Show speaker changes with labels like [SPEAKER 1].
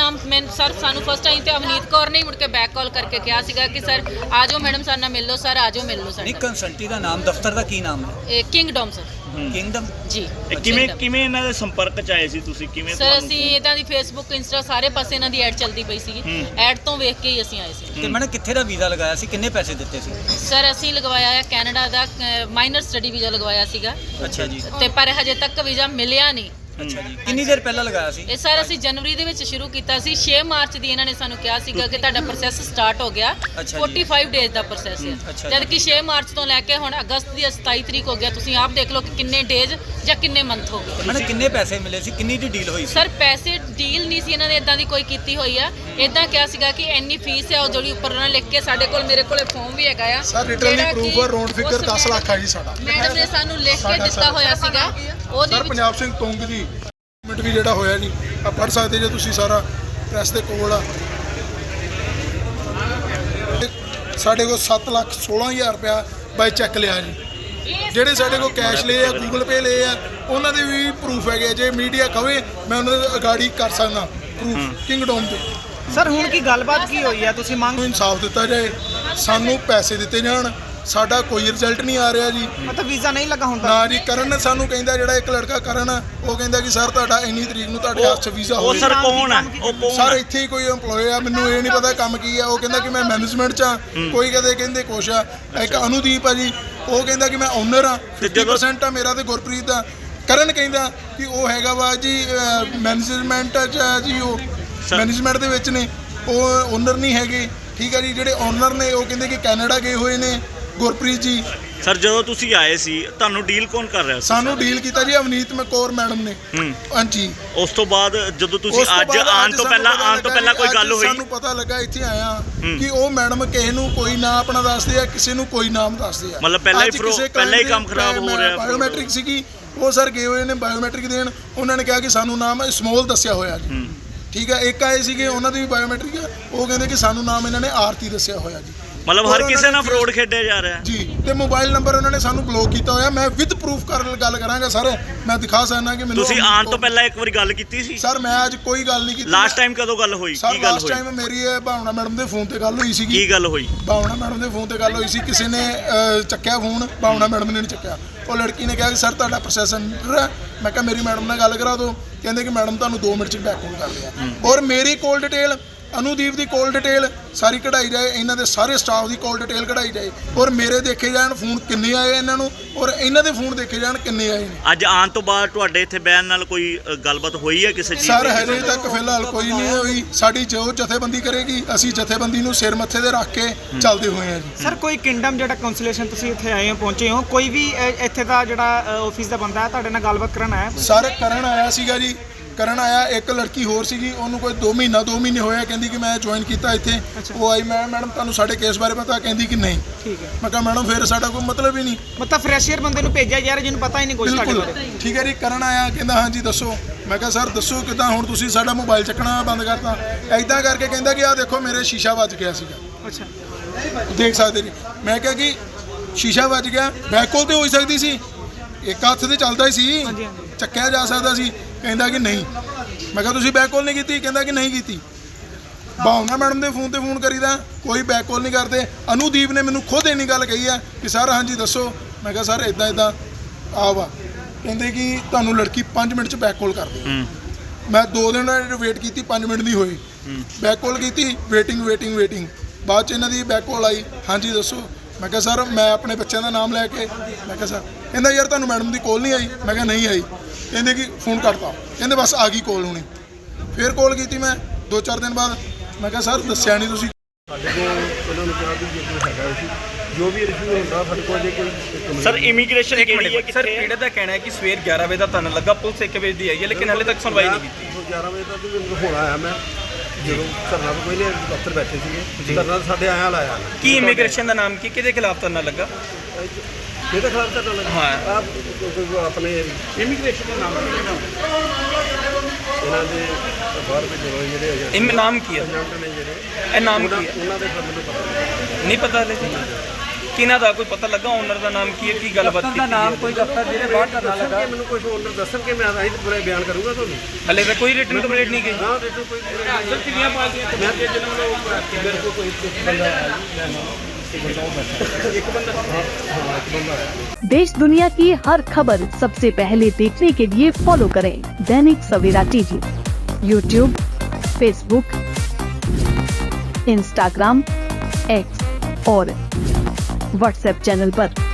[SPEAKER 1] ਨਾਮ ਮੈਂ ਸਰ ਸਾਨੂੰ ਫਸਟ ਟਾਈਮ ਤੇ ਅਵਨੀਤ ਕੌਰ ਨੇ ਮੁੜ ਕੇ ਬੈਕ ਕਾਲ ਕਰਕੇ ਕਿਹਾ ਸੀਗਾ ਕਿ ਸਰ ਆ ਜਾਓ ਮੈਡਮ ਸਾਡੇ ਨਾਲ ਮਿਲ ਲਓ, ਸਰ ਆ ਜਾਓ ਮਿਲ ਲਓ ਸਾਡੇ
[SPEAKER 2] ਨਹੀਂ ਕੰਸਲਟੀ ਦਾ ਨਾਮ ਦਫ਼ਤਰ ਦਾ ਕੀ ਨਾਮ ਹੈ?
[SPEAKER 1] ਇਹ ਕਿੰਗਡਮ ਸਰ।
[SPEAKER 2] ਕਿੰਗਡਮ
[SPEAKER 1] ਜੀ
[SPEAKER 3] ਕਿਵੇਂ ਇਹਨਾਂ ਦੇ ਸੰਪਰਕ ਚ ਆਏ ਸੀ ਤੁਸੀਂ? ਕਿਵੇਂ
[SPEAKER 1] ਸਰ ਅਸੀਂ ਇਹਨਾਂ ਦੀ ਫੇਸਬੁੱਕ ਇੰਸਟਾ ਸਾਰੇ ਪਾਸੇ ਇਹਨਾਂ ਦੀ ਐਡ ਚੱਲਦੀ ਪਈ ਸੀਗੀ, ਐਡ ਤੋਂ ਵੇਖ ਕੇ ਹੀ ਅਸੀਂ ਆਏ ਸੀ।
[SPEAKER 2] ਤੇ ਮੈਡਮ ਕਿੱਥੇ ਦਾ ਵੀਜ਼ਾ ਲਗਾਇਆ ਸੀ, ਕਿੰਨੇ ਪੈਸੇ ਦਿੱਤੇ ਸੀ?
[SPEAKER 1] ਸਰ ਅਸੀਂ ਲਗਵਾਇਆ ਹੈ ਕੈਨੇਡਾ ਦਾ ਮਾਈਨਰ ਸਟੱਡੀ ਵੀਜ਼ਾ ਲਗਵਾਇਆ ਸੀਗਾ।
[SPEAKER 2] ਅੱਛਾ ਜੀ।
[SPEAKER 1] ਤੇ ਪਰ ਹਜੇ ਤੱਕ ਵੀਜ਼ਾ ਮਿਲਿਆ ਨਹੀਂ।
[SPEAKER 2] ਅੱਛਾ ਜੀ। ਕਿੰਨੀ ਦੇਰ ਪਹਿਲਾਂ ਲਗਾਇਆ ਸੀ?
[SPEAKER 1] ਇਹ ਸਰ ਅਸੀਂ ਜਨਵਰੀ ਦੇ ਵਿੱਚ ਸ਼ੁਰੂ ਕੀਤਾ ਸੀ। 6 ਮਾਰਚ ਦੀ ਇਹਨਾਂ ਨੇ ਸਾਨੂੰ ਕਿਹਾ ਸੀਗਾ ਕਿ ਤੁਹਾਡਾ ਪ੍ਰੋਸੈਸ ਸਟਾਰਟ ਹੋ ਗਿਆ। 45 ਡੇਜ਼ ਦਾ ਪ੍ਰੋਸੈਸ ਹੈ, ਜਦ ਕਿ 6 ਮਾਰਚ ਤੋਂ ਲੈ ਕੇ ਹੁਣ ਅਗਸਤ ਦੀ 27 ਤਰੀਕ ਹੋ ਗਿਆ। ਤੁਸੀਂ ਆਪ ਦੇਖ ਲਓ ਕਿ ਕਿੰਨੇ ਡੇਜ਼ ਜਾਂ ਕਿੰਨੇ ਮੰਥ ਹੋ ਗਏ।
[SPEAKER 2] ਮੈਡਮ ਕਿੰਨੇ ਪੈਸੇ ਮਿਲੇ ਸੀ, ਕਿੰਨੀ ਦੀ ਡੀਲ ਹੋਈ ਸੀ?
[SPEAKER 1] ਸਰ ਪੈਸੇ ਡੀਲ ਨਹੀਂ ਸੀ ਇਹਨਾਂ ਨੇ ਇਦਾਂ ਦੀ ਕੋਈ ਕੀਤੀ ਹੋਈ ਆ। ਇਦਾਂ ਕਿਹਾ ਸੀਗਾ ਕਿ ਇੰਨੀ ਫੀਸ ਹੈ ਉਹ ਜਿਹੜੀ ਉੱਪਰ ਉਹਨਾਂ ਨੇ ਲਿਖ ਕੇ ਸਾਡੇ ਕੋਲ ਮੇਰੇ ਕੋਲੇ ਫਾਰਮ ਵੀ ਹੈਗਾ ਆ
[SPEAKER 4] ਸਰ ਰਿਟਰਨਲੀ ਪ੍ਰੂਫ ਹੈ, ਰੌਂਡ ਫਿਗਰ 10 ਲੱਖ ਹੈ ਜੀ ਸਾਡਾ।
[SPEAKER 1] ਮੈਡਮ ਨੇ ਸਾਨੂੰ ਲਿਖ ਕੇ ਦਿੱਤਾ ਹੋਇਆ ਸੀਗਾ ਉਹਦੇ
[SPEAKER 4] ਸਰ
[SPEAKER 1] ਵਿੱਚ।
[SPEAKER 4] ਪੰਜਾਬ ਸਿੰਘ ਤੁੰਗ ਜੀ ਮਿੰਟ ਵੀ ਜਿਹੜਾ ਹੋਇਆ ਜੀ ਆ ਪੜ੍ਹ ਸਕਦੇ ਜੇ ਤੁਸੀਂ, ਸਾਰਾ ਪ੍ਰੈਸ ਦੇ ਕੋਲ ਆ। ਸਾਡੇ ਕੋਲ 7,16,000 ਰੁਪਇਆ ਬਾਈ ਚੈੱਕ ਲਿਆ ਜੀ। ਜਿਹੜੇ ਸਾਡੇ ਕੋਲ ਕੈਸ਼ ਲਏ ਆ, ਗੂਗਲ ਪੇ ਲਏ ਆ, ਉਹਨਾਂ ਦੇ ਵੀ ਪ੍ਰੂਫ ਹੈਗੇ। ਜੇ ਮੀਡੀਆ ਕਵੇ ਮੈਂ ਉਹਨਾਂ ਦੇ ਅਗਾੜੀ ਕਰ ਸਕਦਾ ਪ੍ਰੂਫ ਕਿੰਗਡਮ ਦੇ।
[SPEAKER 5] ਸਰ ਹੁਣ ਕੀ ਗੱਲਬਾਤ ਕੀ ਹੋਈ ਹੈ? ਤੁਸੀਂ ਮੰਗ
[SPEAKER 4] ਨੂੰ ਇਨਸਾਫ ਦਿੱਤਾ ਜਾਏ, ਸਾਨੂੰ ਪੈਸੇ ਦਿੱਤੇ ਜਾਣ। ਸਾਡਾ ਕੋਈ ਰਿਜ਼ਲਟ ਨਹੀਂ ਆ ਰਿਹਾ ਜੀ।
[SPEAKER 5] ਮਤਲਬ ਵੀਜ਼ਾ ਨਹੀਂ ਲੱਗਾ ਹੁੰਦਾ
[SPEAKER 4] ਨਾ ਜੀ। ਕਰਨ ਨੇ ਸਾਨੂੰ ਕਹਿੰਦਾ, ਜਿਹੜਾ ਇੱਕ ਲੜਕਾ ਕਰਨ ਆ, ਉਹ ਕਹਿੰਦਾ ਕਿ ਸਰ ਤੁਹਾਡਾ ਇੰਨੀ ਤਰੀਕ ਨੂੰ ਤੁਹਾਡੇ ਹੱਥ 'ਚ ਵੀਜ਼ਾ
[SPEAKER 3] ਉਹ
[SPEAKER 4] ਹੋਵੇਗਾ।
[SPEAKER 3] ਸਰ ਕੌਣ ਹੈ? ਉਹ ਕੌਣ
[SPEAKER 4] ਸਰ ਇੱਥੇ ਹੀ ਕੋਈ EMPLOYE ਆ, ਮੈਨੂੰ ਇਹ ਨਹੀਂ ਪਤਾ ਕੰਮ ਕੀ ਆ। ਉਹ ਕਹਿੰਦਾ ਕਿ ਮੈਂ ਮੈਨੇਜਮੈਂਟ 'ਚ ਆ, ਕੋਈ ਕਹਿੰਦੇ ਕੁਛ ਆ। ਇੱਕ ਅਨੁਦੀਪ ਆ ਜੀ, ਉਹ ਕਹਿੰਦਾ ਕਿ ਮੈਂ ਓਨਰ ਆ। 50% ਆ ਮੇਰਾ ਤੇ ਗੁਰਪ੍ਰੀਤ ਦਾ। ਕਰਨ ਕਹਿੰਦਾ ਕਿ ਉਹ ਹੈਗਾ ਵਾ ਜੀ ਮੈਨੇਜਮੈਂਟ 'ਚ ਆ ਜੀ, ਉਹ ਮੈਨੇਜਮੈਂਟ ਦੇ ਵਿੱਚ ਨੇ, ਉਹ ਓਨਰ ਨਹੀਂ ਹੈਗੇ। ਠੀਕ ਆ ਜੀ। ਜਿਹੜੇ ਓਨਰ ਨੇ ਉਹ ਕਹਿੰਦੇ ਕਿ ਕੈਨੇਡਾ ਗਏ ਹੋਏ ਨੇ ਗੁਰਪ੍ਰੀਤ ਜੀ।
[SPEAKER 3] ਸਰ ਜਦੋਂ ਤੁਸੀਂ ਆਏ ਸੀ ਤੁਹਾਨੂੰ ਡੀਲ ਕੌਣ ਕਰ ਰਿਹਾ ਸੀ?
[SPEAKER 4] ਸਾਨੂੰ ਡੀਲ ਕੀਤਾ ਜੀ ਅਵਨੀਤ ਕੌਰ ਮੈਡਮ ਨੇ। ਹਾਂਜੀ।
[SPEAKER 3] ਉਸ ਤੋਂ ਬਾਅਦ ਜਦੋਂ ਤੁਸੀਂ ਅੱਜ ਆਉਣ ਤੋਂ ਪਹਿਲਾਂ ਕੋਈ ਗੱਲ ਹੋਈ?
[SPEAKER 4] ਸਾਨੂੰ ਪਤਾ ਲੱਗਾ ਇੱਥੇ ਆਇਆ ਕਿ ਉਹ ਮੈਡਮ ਕਿਸੇ ਨੂੰ ਕੋਈ ਨਾਂ ਆਪਣਾ ਦੱਸਦੇ ਆ, ਕਿਸੇ ਨੂੰ ਕੋਈ ਨਾਮ ਦੱਸਦੇ ਆ।
[SPEAKER 3] ਮਤਲਬ ਪਹਿਲਾਂ ਹੀ ਕੰਮ ਖਰਾਬ ਹੋ ਰਿਹਾ।
[SPEAKER 4] ਬਾਇਓਮੈਟ੍ਰਿਕ ਸੀਗੀ, ਉਹ ਸਰ ਗਏ ਹੋਏ ਨੇ ਬਾਇਓਮੈਟ੍ਰਿਕ ਦੇਣ। ਉਹਨਾਂ ਨੇ ਕਿਹਾ ਕਿ ਸਾਨੂੰ ਨਾਮ ਸਮੋਲ ਦੱਸਿਆ ਹੋਇਆ ਜੀ। ਠੀਕ ਹੈ। ਇੱਕ ਆਏ ਸੀਗੇ, ਉਹਨਾਂ ਦੀ ਵੀ ਬਾਇਓਮੈਟ੍ਰਿਕ ਆ, ਉਹ ਕਹਿੰਦੇ ਕਿ ਸਾਨੂੰ ਨਾਮ ਇਹਨਾਂ ਨੇ ਆਰਤੀ ਦੱਸਿਆ ਹੋਇਆ ਜੀ।
[SPEAKER 3] ਮਤਲਬ ਹਰ ਕਿਸੇ ਨਾਲ ਫਰੋਡ ਖੇਡਿਆ ਜਾ ਰਿਹਾ
[SPEAKER 4] ਜੀ। ਤੇ ਮੋਬਾਈਲ ਨੰਬਰ ਉਹਨਾਂ ਨੇ ਸਾਨੂੰ ਬਲੌਕ ਕੀਤਾ ਹੋਇਆ। ਮੈਂ ਵਿਦ ਪ੍ਰੂਫ ਗੱਲ ਕਰਾਂਗਾ ਸਰ, ਮੈਂ ਦਿਖਾ ਸਕਦਾ ਕਿ ਮੈਨੂੰ।
[SPEAKER 3] ਤੁਸੀਂ ਆਉਣ ਤੋਂ ਪਹਿਲਾਂ ਇੱਕ ਵਾਰੀ ਗੱਲ ਕੀਤੀ ਸੀ?
[SPEAKER 4] ਸਰ ਮੈਂ ਅੱਜ ਕੋਈ ਗੱਲ ਨਹੀਂ ਕੀਤੀ।
[SPEAKER 3] ਲਾਸਟ ਟਾਈਮ ਕਦੋਂ ਗੱਲ ਹੋਈ? ਕੀ ਗੱਲ ਹੋਈ?
[SPEAKER 4] ਲਾਸਟ ਟਾਈਮ ਮੇਰੀ ਭਾਵਨਾ ਮੈਡਮ ਦੇ ਫੋਨ ਤੇ ਗੱਲ ਹੋਈ ਸੀਗੀ।
[SPEAKER 3] ਕੀ ਗੱਲ ਹੋਈ?
[SPEAKER 4] ਭਾਵਨਾ ਮੈਡਮ ਦੇ ਫੋਨ ਤੇ ਗੱਲ ਹੋਈ ਸੀ। ਕਿਸੇ ਨੇ ਚੱਕਿਆ ਫੋਨ, ਭਾਵਨਾ ਮੈਡਮ ਨੇ ਨਹੀਂ ਚੱਕਿਆ। ਉਹ ਲੜਕੀ ਨੇ ਕਿਹਾ ਕਿ ਸਰ ਤੁਹਾਡਾ ਪ੍ਰੋਸੈਸ ਅੰਡਰ ਹੈ। ਮੈਂ ਕਿਹਾ ਮੇਰੀ ਮੈਡਮ ਨਾਲ ਗੱਲ ਕਰਾ ਦਿਓ। ਕਹਿੰਦੇ ਕਿ ਮੈਡਮ ਤੁਹਾਨੂੰ 2 ਮਿੰਟ 'ਚ ਬੈਕ ਕਾਲ ਕਰ ਲਿਆ। ਔਰ ਮੇਰੀ ਕੋਲ ਡਿਟੇਲ, ਅਨੁਦੀਪ ਦੀ ਕੋਲ ਡਿਟੇਲ ਸਾਰੀ ਕਢਾਈ ਜਾਏ, ਇਹਨਾਂ ਦੇ ਸਾਰੇ ਸਟਾਫ ਦੀ ਕੋਲ ਡਿਟੇਲ ਕਢਾਈ ਜਾਏ। ਔਰ ਮੇਰੇ ਦੇਖੇ ਜਾਣ ਫੋਨ ਕਿੰਨੇ ਆਏ ਇਹਨਾਂ ਨੂੰ, ਔਰ ਇਹਨਾਂ ਦੇ ਫੋਨ ਦੇਖੇ ਜਾਣ ਕਿੰਨੇ ਆਏ ਨੇ।
[SPEAKER 3] ਅੱਜ ਆਉਣ ਤੋਂ ਬਾਅਦ ਤੁਹਾਡੇ ਇੱਥੇ ਬਹਿਣ ਨਾਲ ਕੋਈ ਗੱਲਬਾਤ ਹੋਈ ਹੈ ਕਿਸੇ ਚੀਜ਼
[SPEAKER 4] ਸਰ ਹਜੇ ਤੱਕ ਫਿਲਹਾਲ ਕੋਈ ਨਹੀਂ ਹੋਈ। ਸਾਡੀ ਜੋ ਜਥੇਬੰਦੀ ਕਰੇਗੀ, ਅਸੀਂ ਜਥੇਬੰਦੀ ਨੂੰ ਸਿਰ ਮੱਥੇ ਤੇ ਰੱਖ ਕੇ ਚੱਲਦੇ ਹੋਏ ਹਾਂ ਜੀ।
[SPEAKER 5] ਸਰ ਕੋਈ ਕਿੰਗਡਮ ਜਿਹੜਾ ਕਾਉਂਸਲੇਸ਼ਨ ਤੁਸੀਂ ਇੱਥੇ ਆਏ ਹੋ, ਪਹੁੰਚੇ ਹੋ, ਕੋਈ ਵੀ ਇੱਥੇ ਦਾ ਜਿਹੜਾ ਆਫਿਸ ਦਾ ਬੰਦਾ ਤੁਹਾਡੇ ਨਾਲ ਗੱਲਬਾਤ ਕਰਨ ਆਇਆ?
[SPEAKER 4] ਸਰ ਕਰਨ ਆਇਆ ਸੀਗਾ ਜੀ। ਕਰਨ ਆਇਆ। ਇੱਕ ਲੜਕੀ ਹੋਰ ਸੀਗੀ, ਉਹਨੂੰ ਕੋਈ 2 ਮਹੀਨੇ ਹੋਇਆ, ਕਹਿੰਦੀ ਕਿ ਮੈਂ ਜੁਆਇਨ ਕੀਤਾ ਇੱਥੇ। ਉਹ ਆਈ, ਮੈਂ ਮੈਡਮ ਤੁਹਾਨੂੰ ਸਾਡੇ ਕੇਸ ਬਾਰੇ ਪਤਾ? ਕਹਿੰਦੀ ਕਿ ਨਹੀਂ।
[SPEAKER 5] ਠੀਕ ਹੈ।
[SPEAKER 4] ਮੈਂ ਕਿਹਾ ਮੈਡਮ ਫਿਰ ਸਾਡਾ ਕੋਈ ਮਤਲਬ ਹੀ ਨਹੀਂ।
[SPEAKER 5] ਮਤਲਬ ਫਰੈਸ਼ੀਅਰ ਬੰਦੇ ਨੂੰ ਭੇਜਿਆ ਯਾਰ ਜਿਹਨੂੰ ਪਤਾ ਹੀ ਨਹੀਂ ਕੁਝ ਤੁਹਾਡੇ ਬਾਰੇ।
[SPEAKER 4] ਠੀਕ ਹੈ ਜੀ। ਕਰਨ ਆਇਆ, ਕਹਿੰਦਾ ਹਾਂਜੀ ਦੱਸੋ। ਮੈਂ ਕਿਹਾ ਸਰ ਦੱਸੋ ਕਿੱਦਾਂ, ਹੁਣ ਤੁਸੀਂ ਸਾਡਾ ਮੋਬਾਈਲ ਚੱਕਣਾ ਬੰਦ ਕਰਤਾ। ਐਦਾਂ ਕਰਕੇ ਕਹਿੰਦਾ ਕਿ ਆਹ ਦੇਖੋ ਮੇਰੇ ਸ਼ੀਸ਼ਾ ਵੱਜ ਗਿਆ ਸੀਗਾ।
[SPEAKER 5] ਅੱਛਾ।
[SPEAKER 4] ਦੇਖ ਸਕਦੇ ਜੀ। ਮੈਂ ਕਿਹਾ ਕਿ ਸ਼ੀਸ਼ਾ ਵੱਜ ਗਿਆ, ਬੈਕ ਕਾਲ ਤੇ ਹੋ ਸਕਦੀ ਸੀ, ਇੱਕ ਹੱਥ ਤੇ ਚੱਲਦਾ ਹੀ ਸੀ, ਚੱਕਿਆ ਜਾ ਸਕਦਾ ਸੀ। ਕਹਿੰਦਾ ਕਿ ਨਹੀਂ। ਮੈਂ ਕਿਹਾ ਤੁਸੀਂ ਬੈਕ ਕਾਲ ਨਹੀਂ ਕੀਤੀ? ਕਹਿੰਦਾ ਕਿ ਨਹੀਂ ਕੀਤੀ। ਭਾਵਨਾ ਮੈਡਮ ਦੇ ਫੋਨ ਤੇ ਫੋਨ ਕਰੀਦਾ, ਕੋਈ ਬੈਕ ਕਾਲ ਨਹੀਂ ਕਰਦੇ। ਅਨੁਦੀਪ ਨੇ ਮੈਨੂੰ ਖੁਦ ਇੰਨੀ ਗੱਲ ਕਹੀ ਹੈ ਕਿ ਸਰ ਹਾਂਜੀ ਦੱਸੋ। ਮੈਂ ਕਿਹਾ ਸਰ ਇਦਾਂ ਆ ਵਾ। ਕਹਿੰਦੇ ਕਿ ਤੁਹਾਨੂੰ ਲੜਕੀ 5 ਮਿੰਟ 'ਚ ਬੈਕ ਕਾਲ ਕਰ ਦੇ। ਮੈਂ 2 ਦਿਨ ਵੇਟ ਕੀਤੀ, 5 ਮਿੰਟ ਨਹੀਂ ਹੋਈ। ਬੈਕ ਕਾਲ ਕੀਤੀ, ਵੇਟਿੰਗ। ਬਾਅਦ 'ਚ ਇਹਨਾਂ ਦੀ ਬੈਕ ਕਾਲ ਆਈ, ਹਾਂਜੀ ਦੱਸੋ। ਮੈਂ ਕਿਹਾ ਸਰ ਮੈਂ ਆਪਣੇ ਬੱਚਿਆਂ ਦਾ ਨਾਮ ਲੈ ਕੇ। ਮੈਂ ਕਿਹਾ ਸਰ, ਕਹਿੰਦਾ ਯਾਰ ਤੁਹਾਨੂੰ ਮੈਡਮ ਦੀ ਕਾਲ ਨਹੀਂ ਆਈ? ਮੈਂ ਕਿਹਾ ਨਹੀਂ ਆਈ। ਕਹਿੰਦੇ ਕਿ ਫੋਨ ਕਰਤਾ। ਕਹਿੰਦੇ ਬਸ ਆ ਗਈ ਕਾਲ ਹੁਣੀ। ਫਿਰ ਕਾਲ ਕੀਤੀ ਮੈਂ 2-4 ਦਿਨ ਬਾਅਦ। ਮੈਂ ਕਿਹਾ ਸਰ ਦੱਸਿਆ ਨਹੀਂ ਤੁਸੀਂ।
[SPEAKER 6] ਸਾਡੇ ਕੋਲ ਉਹਨਾਂ ਨੂੰ ਕਿਹਾ ਵੀ ਜੇ ਕੋਈ ਹੈਗਾ ਸੀ, ਜੋ ਵੀ ਰਿਸ਼ੂ ਹੁੰਦਾ ਸਾਡੇ ਕੋਲ ਜੇ ਕੋਈ।
[SPEAKER 3] ਸਰ ਇਮੀਗ੍ਰੇਸ਼ਨ ਕਿਹੜੀ ਹੈ?
[SPEAKER 7] ਸਰ ਪੀੜਤ ਦਾ ਕਹਿਣਾ ਹੈ ਕਿ ਸਵੇਰ 11 ਵਜੇ ਦਾ ਤੁਹਾਨੂੰ ਲੱਗਾ, ਪੁਲਿਸ 1 ਵਜੇ ਦੀ ਆਈ ਹੈ, ਲੇਕਿਨ ਹਾਲੇ ਤੱਕ ਸੁਣਵਾਈ ਨਹੀਂ ਕੀਤੀ।
[SPEAKER 6] 11 ਵਜੇ ਤੱਕ ਹੁਣ ਆਇਆ ਮੈਂ, ਜਦੋਂ ਧਰਨਾ ਤੋਂ ਪਹਿਲੇ ਦਫ਼ਤਰ ਬੈਠੇ ਸੀਗੇ, ਧਰਨਾ ਸਾਡੇ ਆਇਆ ਲਾਇਆ।
[SPEAKER 7] ਕੀ ਇਮੀਗ੍ਰੇਸ਼ਨ ਦਾ ਨਾਮ ਕੀ, ਕਿਹਦੇ ਖਿਲਾਫ ਧਰਨਾ ਲੱਗਾ?
[SPEAKER 6] ਇਹਦੇ ਖਿਲਾਫ ਧਰਨਾ ਲੱਗਾ।
[SPEAKER 7] ਹਾਂ।
[SPEAKER 6] ਆਪਣੇ ਇਮੀਗ੍ਰੇਸ਼ਨ ਦਾ ਨਾਮ ਇਹਨਾਂ ਦੇ ਬਾਹਰ ਭੇਜੇ ਹੋਏ ਜਿਹੜੇ ਹੈਗੇ।
[SPEAKER 7] ਨਾਮ ਕੀ ਹੈ?
[SPEAKER 6] ਏਜੰਟ ਨੇ ਜਿਹੜੇ।
[SPEAKER 7] ਇਹ ਨਾਮ ਕੀ ਹੈ?
[SPEAKER 6] ਉਹਨਾਂ ਦੇ ਮੈਨੂੰ ਪਤਾ
[SPEAKER 7] ਨਹੀਂ ਪਤਾ ਹਲੇ। ਕਿਹਨਾਂ ਦਾ ਕੋਈ ਪਤਾ ਲੱਗਾ ਓਨਰ ਦਾ ਨਾਮ ਕੀ ਹੈ, ਕੀ ਗੱਲਬਾਤ ਕੀਤੀ ਨਾਮ ਕੋਈ
[SPEAKER 6] ਦਫ਼ਤਰ ਜਿਹਦੇ ਬਾਹਰ ਧਰਨਾ ਲੱਗਾ ਮੈਨੂੰ ਕੁਝ ਓਨਰ ਦੱਸਣਗੇ, ਮੈਂ ਆਹੀ ਪੂਰਾ ਬਿਆਨ ਕਰੂੰਗਾ ਤੁਹਾਨੂੰ।
[SPEAKER 7] ਹਲੇ ਤਾਂ ਕੋਈ ਰਿਟਨ ਕੰਪਲੀਟ ਨਹੀਂ ਗਈ।
[SPEAKER 6] ਨਾ ਰੇਟੂ ਕੋਈ ਕਿੰਨੀਆਂ ਪਾਰਟੀਆਂ ਮੈਂ ਤੇ ਜਿਹਨਾਂ ਨੂੰ ਮੇਰੇ ਕੋਲ ਕੋਈ ਬੰਦਾ ਇੱਕ ਬੰਦਾ
[SPEAKER 8] देश दुनिया की हर खबर सबसे पहले देखने के लिए फॉलो करें Dainik Savera TV, YouTube, Facebook, Instagram, X और व्हाट्सएप चैनल पर।